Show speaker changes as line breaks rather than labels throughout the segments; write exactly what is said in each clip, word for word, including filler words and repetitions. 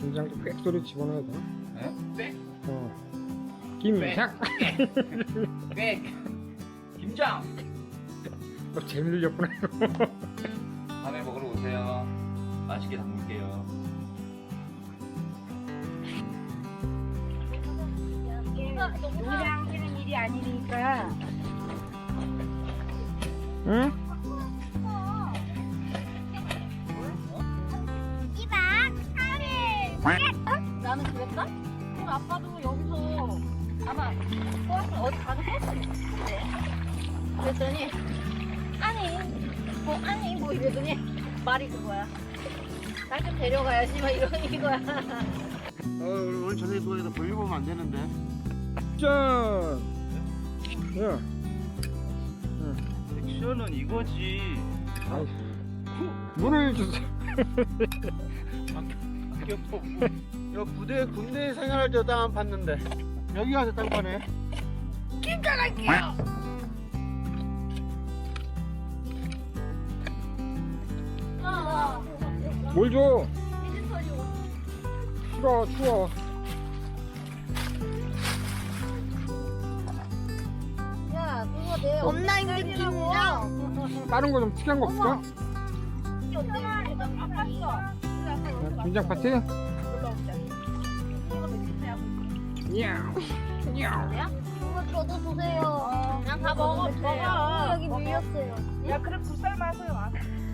김장도 꽥 소리 집어넣어야 돼.
네? 빽?
어. 김장.
빽. 김장.
너 재미들렸구나.
다음에 먹으러 오세요. 맛있게 담글게요.
요리 하는 일이 아니니까.
응?
나는 그랬다? 그럼 아빠도 여기서 아마 버스 어디 가서 버스 있는데 그랬더니 아니 뭐 아니 뭐 이러더니 말이 그거야. 날 좀 데려가야지 막 이런 이거야.
어, 오늘 저녁에 누워서 볼일 보면 안 되는데.
짠. 야.
액션은 이거지.
아이. 문을 주세요.
여 부대 군대 생활할 때 땅 안 팠는데 여기 가서 땅 파네.
김장할게요.
뭘 줘? 싫어, 추워.
야 그거 내 엄마 힘든 김장.
다른 거 좀 특이한 거 없을까? 김장 파티? 냐우. 냐우.
그거 저도 주세요. 그냥 다 먹어. 먹어. 여기 밀렸어요.
야, 그럼 굴살 마세요. 와.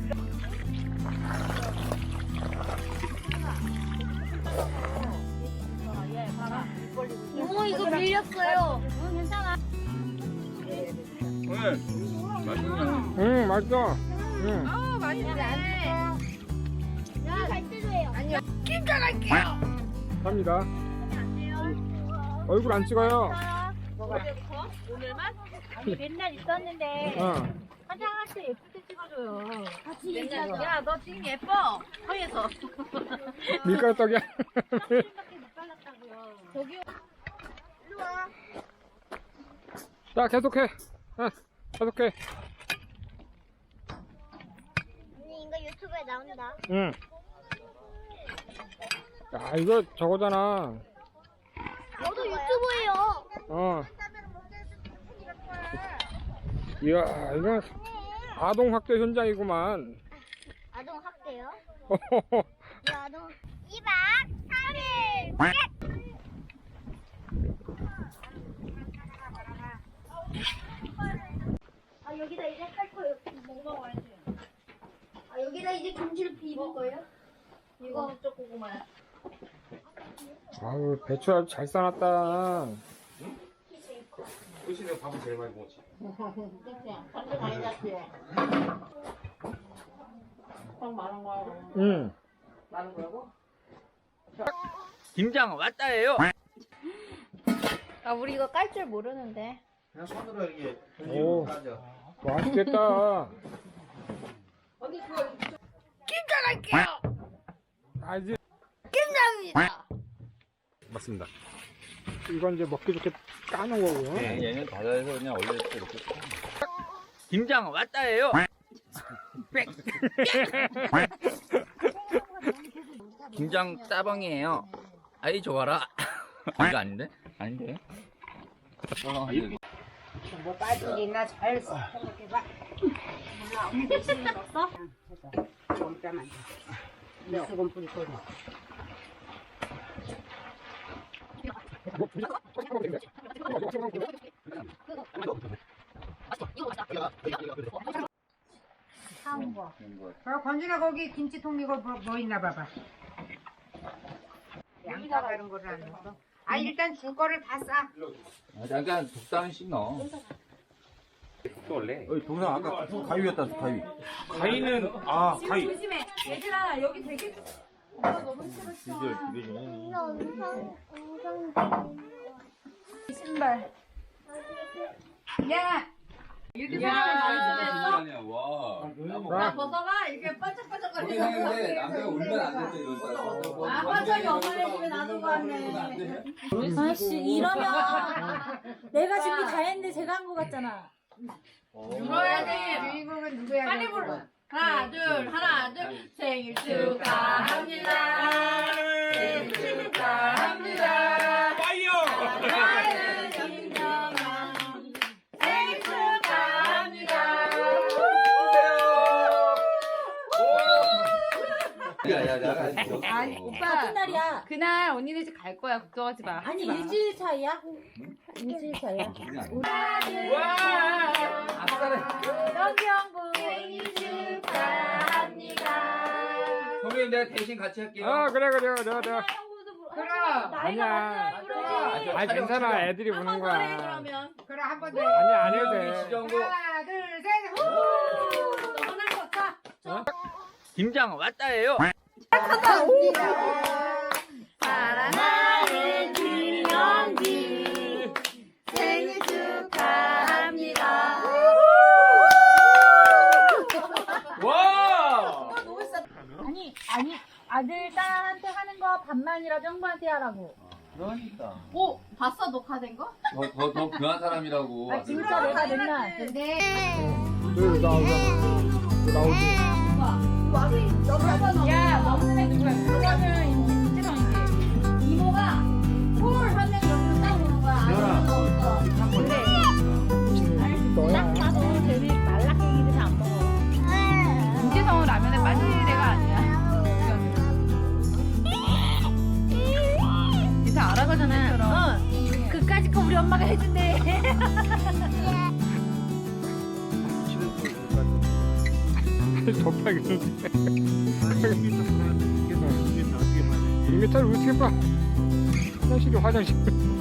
이모 이거 밀렸어요. 응 괜찮아.
왜? 맛있냐?
응, 맛있어. 응.
아, 맛있네.
야, 갈 때도 해요. 아니요.
갑니다. 얼굴 안 찍어요.
오늘만? 아니, 맨날 있었는데.
어.
화장할 때 예쁠 때 찍어줘요. 같이
맨날
맨날.
야, 너 지금 예뻐. 허에서.
밀가루 떡이야.
밖에 못 발랐다고요. 저기요. 일로 와.
자, 계속해. 어, 계속해.
언니, 이거 유튜브에 나온다.
응. 야, 이거 저거잖아.
저도 유튜브예요.
어. 이야, 이건 아동 학대 현장이구만.
아동 학대요? 이 아동. 이박 삼일. 아, 여기다 이제 할 거예요. 먹어봐야지. 아, 여기다 이제 김치를 비빌 거예요? 이거 쪽 고구마야.
아우, 배추 아주 잘 싸놨다.
의신이 밥을 제일 많이 먹었지.
그냥 완전 많이 잤지. 형 많은 거야.
응.
많은 거라고?
김장 왔다예요.
아, 우리 이거 깔 줄 모르는데.
그냥 손으로 이렇게
오.
던지고 가져.
맛있겠다.
김장할게요.
아, 이제
김장입니다.
맞습니다. 이건 이제 먹기 좋게 까는 거고요.
네, 얘는 바다에서 그냥 원래 이렇게. 김장 왔다예요. 빽. 김장 따봉이에요. 아이 좋아라. 이거 아닌데? 아닌데? 어, 여기.
뭐 빠진 게 있나 잘 생각해봐. 몰라, 언니 대신에 넣었어? 해서. 좀 이따만. 미수건 뿌릴 거지.
사온 거.
어, 건진아 거기 김치통 이거 뭐, 뭐 있나 봐봐. 양파 다른 거를 안 넣었어? 아 일단 줄 거를 다 싸.
아, 잠깐 독단씩 넣어. 또 원래.
어이, 동상 아까 가위였다, 가위.
가위는 아 가위.
조심해. 얘들아 여기 되게
비주얼, 비주얼.
신발. 야. 이렇게 생각하면
아, 아니야 와.
자,
벗어봐. 이렇게 반짝반짝거리는
생각했는데 남자가 울면 안 된대 이거.
아, 화장이 엄마네 집에 놔둔 거 같네.
아씨 이러면 내가 준비 다 했는데 제가 한 거 같잖아.
울어야 돼. 주인공은 누구야? 빨리 불러.
하나 둘 하나 둘 생일 축하합니다. 생일 축하합니다.
파이어!
사랑하는 김정아 생일 축하합니다.
야야야.
아니 오빠
같은 날이야.
그날 언니네 집 갈 거야. 걱정하지 마.
아니 일주일 차이야? 일주일 차이야.
아싸래.
영경부
생일 축하합니다.
선배님 내가 대신 같이 할게요.
어 그래 그래 그래 그래.
그럼
나이가
아니야.
많잖아 그러지.
아니 괜찮아 애들이 우는
한번 더 해
거야.
그러면.
그래 한 번 더.
아니 안 해도
우리
돼.
지정고.
하나 둘 셋. 후!
하나 더 차.
김장 왔다예요.
사랑하는 김영기 생일 축하합니다.
와.
아니 아니 아들 딸한테 하는 거 반만이라도 형부한테 하라고.
그러니까.
오 봤어 녹화된 거?
더더 귀한 사람이라고.
아 진짜 내가 맨날
근데
여기 나오잖아. 나오지.
야 먹는 애 누구야? 그거는 임지성이지.
이모가 볼 하면 여기서 딱 오는 거야. 아무것도 없어.
근데
너야.
딱 봐도 되게 말라깽이들 안 먹어.
김지성은 라면에 빠질 애가 아니야. 이제 알아가잖아.
어, 그까짓 거 우리 엄마가 해준대.
덥하겠는데. 이 미터를 어떻게 봐? 화장실이 화장실.